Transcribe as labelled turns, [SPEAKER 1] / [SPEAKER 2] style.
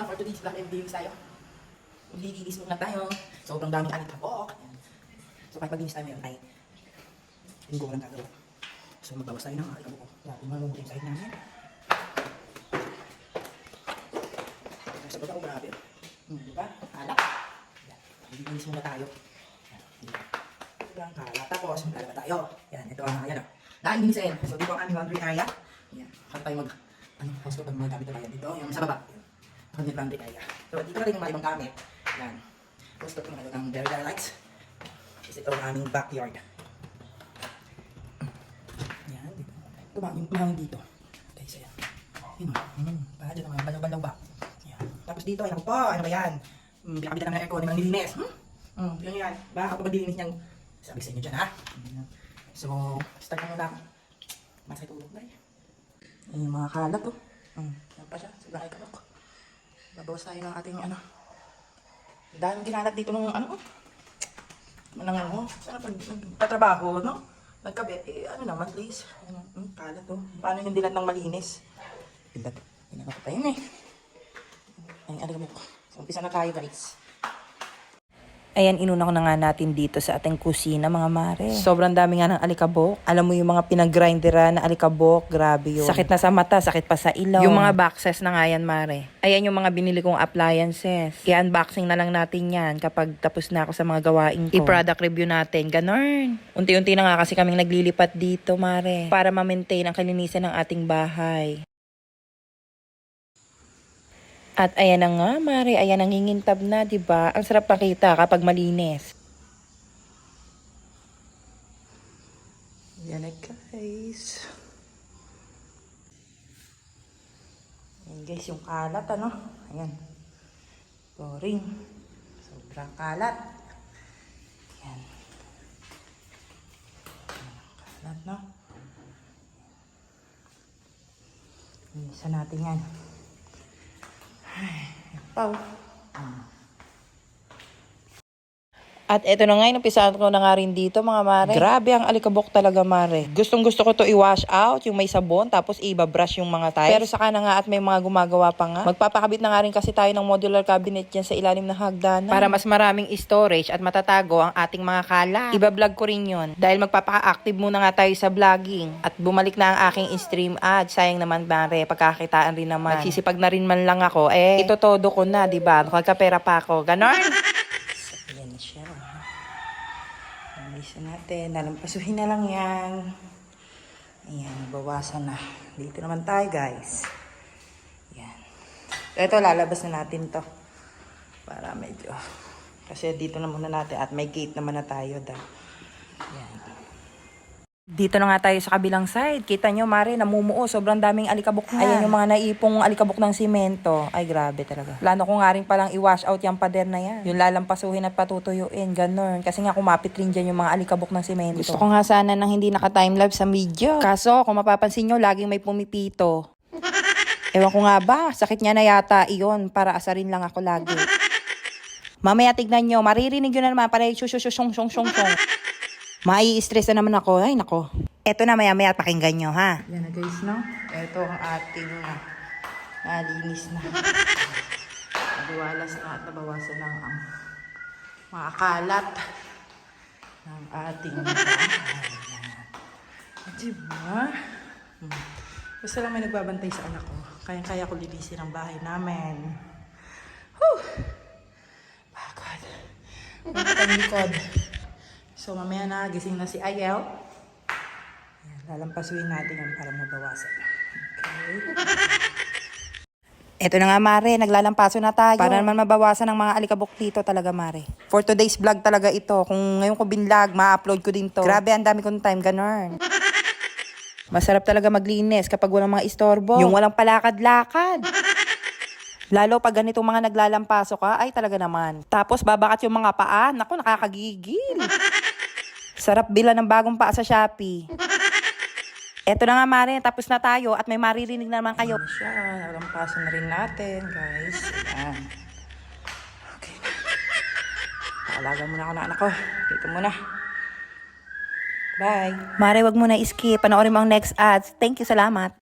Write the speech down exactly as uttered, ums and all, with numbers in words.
[SPEAKER 1] na for today's vlog and videos tayo. Maglilinis muna tayo. Sobrang daming alikabok. So kahit maglinis tayo ngayon ay linggo lang gagawin. So magbawas tayo ng alikabok. Kaya tumamumot yung sahig namin. Sa baba ko marami. Hmm, diba? Alak. Yan. Maglilinis muna tayo. Yan. Sobrang kalat. Tapos lalaba tayo. Yan. Ito ang ayan o. Naanlinisin. So dito ang aming laundry area. Yan. Kaya tayo mag ano, house ko pag mga gamit na tayo dito. Yung sa baba. Ang laundry area. So dito na rin yung mga ibang gamit. Yan. Gusto ko ng, ng very very lights. Kasi ito ang aming backyard. Yan. Dito. Ito ba? Yung mahangin dito. Guys, ayan. Yun o. Hmm. Baka dyan naman. Balaw-balaw ba? Yan. Tapos dito, ayan po. Ano ba yan? Hmm. Pinakabitan namin ng aircon. Yung nilinis. Hmm. Hmm. Yun yan. Baka kapag dilinis niyang sabi sa inyo dyan ha. So, start na muna ako. Masay tulog na eh. Ayan yung mga kalat o. Hmm. Yan pa siya. Sobrang alikabok. Babawas tayo ng ating ano. Dahil ginalat dito nung ano, manang ano, sana pag nagpatrabaho, no? Nagkabit, eh, ano naman, please. Ano, hmm, kalat, oh. Paano yung dilat ng malinis? Dilat, pinaka pa yun, eh. Ay, alam mo. So, umpisa na tayo, guys.
[SPEAKER 2] Ayan, inuna ko na nga natin dito sa ating kusina, mga mare. Sobrang dami nga ng alikabok. Alam mo yung mga pinag-grinderan na alikabok, grabe yun. Sakit na sa mata, sakit pa sa ilaw. Yung mga boxes na nga yan, mare. Ayan yung mga binili kong appliances. I-unboxing na lang natin yan kapag tapos na ako sa mga gawain ko. I-product review natin, ganon. Unti-unti na nga kasi kaming naglilipat dito, mare. Para ma-maintain ang kalinisan ng ating bahay. At ayan na nga, mare, ayan ang nangingintab na, di ba? Ang sarap pakita kapag malinis.
[SPEAKER 1] Yan na, guys.
[SPEAKER 2] Ayan, guys, yung kalat, ano? Ayan. Boring. Sobrang kalat. Ayan. Kalat, no? Isa natin yan. Ay, pau. At eto na nga, inumpisahan ko na nga rin dito, mga mare. Grabe ang alikabok talaga, mare. Gustong gusto ko to i-wash out, yung may sabon, tapos i-brush yung mga tiles. Pero saka na nga at may mga gumagawa pa nga. Magpapakabit na nga rin kasi tayo ng modular cabinet dyan sa ilalim ng hagdanan. Para mas maraming storage at matatago ang ating mga kalat. Iba-vlog ko rin yun. Dahil magpapaka-active muna nga tayo sa vlogging. At bumalik na ang aking stream ad. Sayang naman, mare, pagkakitaan rin naman. Nagsisipag na rin man lang ako. Eh, ito todo ko na, diba? Nagkapera pa ako. Ganon. Ayan na siya. Nalisa natin. Nalampasuhin na lang yan. Ayan, bawasan na. Dito naman tayo, guys. Ayan. Ito, lalabas na natin to. Para medyo. Kasi dito na muna natin. At may gate naman na tayo. Da. Ayan. Dito na nga tayo sa kabilang side. Kita nyo, mare, namumuo. Sobrang daming alikabok na. Ayan yung mga naipong alikabok ng simento. Ay, grabe talaga. Plano ko nga rin palang i-wash out yung pader na yan. Yung lalampasuhin at patutuyuin. Ganon. Kasi nga kumapit rin dyan yung mga alikabok ng simento. Gusto ko nga sana nang hindi naka-timelapse sa video. Kaso, kung mapapansin nyo, laging may pumipito. Ewan ko nga ba, sakit niya na yata iyon. Para asarin lang ako lagi. Mamaya tignan nyo, maririnig yun na naman. Parang shushushushong shong shong shong. Mai-stress na naman ako. Ay, nako. Eto na, maya-maya pakinggan nyo, ha? Yan na, guys, no? Eto ang ating uh, nalinis na. Nabiwalas na at nabawasan lang ang mga kalat ng ating bahay. Diba? Hmm. Basta lang may nagbabantay sa anak ko. Kaya-kaya ko lilisin ang bahay namin. Whew! Pagod. Ang likod. So, mamaya na, gising na si Ayel. Ayan, lalampasuin natin yan para mabawasan. Okay. Eto na nga, mare. Naglalampaso na tayo. Para naman mabawasan ang mga alikabok dito talaga, mare. For today's vlog talaga ito. Kung ngayon ko binlog, ma-upload ko din to. Grabe, ang dami kong time, ganon. Masarap talaga maglinis kapag walang mga istorbo. Yung walang palakad-lakad. Lalo pag ganitong mga naglalampaso ka, ay talaga naman. Tapos babakat yung mga paa. Naku, nakakagigil. Sarap bila ng bagong paa sa Shopee. Eto na nga, mare. Tapos na tayo at may maririnig na naman kayo. Ayan siya. Nalampasan na rin natin, guys. Ayan. Okay na. Paalaga muna ako na anak ko. Dito muna. Bye. Mare, wag mo na i-skip. Panoorin mo ang next ads. Thank you, salamat.